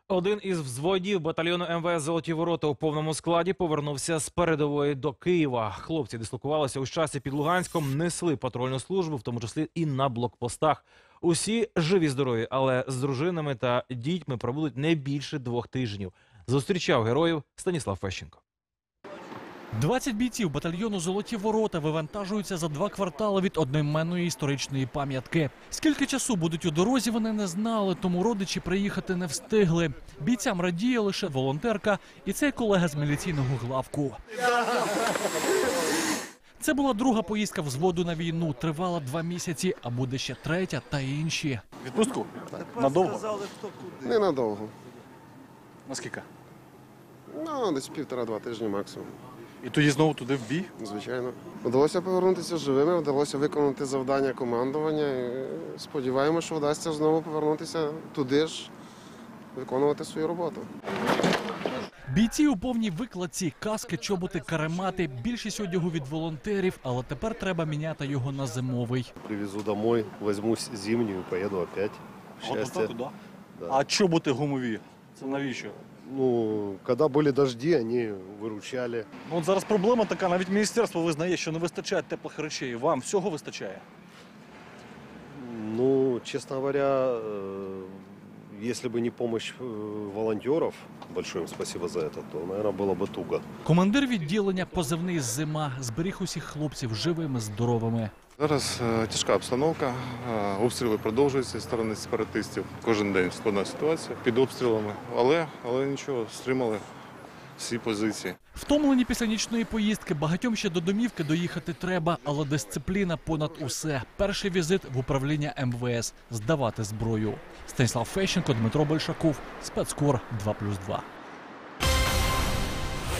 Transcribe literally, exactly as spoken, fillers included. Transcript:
Один із взводів батальйону ем ве ес «Золоті ворота» у повному складі повернувся з передової до Києва. Хлопці дислокувалися у часі під Луганськом, несли патрульну службу, в тому числі і на блокпостах. Усі живі-здорові, але з дружинами та дітьми пробудуть не більше двох тижнів. Зустрічав героїв Станіслав Фещенко. двадцять бійців батальйону «Золоті ворота» вивантажуються за два квартали від одноіменної історичної пам'ятки. Скільки часу будуть у дорозі, вони не знали, тому родичі приїхати не встигли. Бійцям радіє лише волонтерка і цей колега з міліційного главку. Це була друга поїздка взводу на війну. Тривала два місяці, а буде ще третя та інші. Відпустку? Надовго? Ненадовго. Наскільки? Ну, десь півтора-два тижні максимум. І тоді знову туди в бій? Звичайно. Вдалося повернутися живими, вдалося виконати завдання командування. І сподіваємося, що вдасться знову повернутися туди ж, виконувати свою роботу. Бійці у повній викладці, каски, чоботи, каремати. Більшість одягу від волонтерів, але тепер треба міняти його на зимовий. Привезу домой, возьму зимнюю, поеду опять. Счастье. От, да? Да. А чоботи гумові? Це навіщо? Ну, когда были дожди, они выручали. Ну, от зараз проблема така, навіть міністерство визнає, що не вистачає теплих речей. Вам всього вистачає? Ну, честно говоря, э, если бы не помощь э, волонтеров, большое им спасибо за это, то, наверное, было бы туго. Командир відділення позивний «Зима» зберіг усіх хлопців живими, здоровими. Зараз е, тяжка обстановка, е, обстріли продовжуються зі сторони сепаратистів. Кожен день складна ситуація під обстрілами, але, але нічого, стримали всі позиції. Втомлені після нічної поїздки, багатьом ще до домівки доїхати треба, але дисципліна понад усе. Перший візит в управління ем ве ес – здавати зброю. Станіслав Фещенко, Дмитро Большаков, Спецкор два плюс два.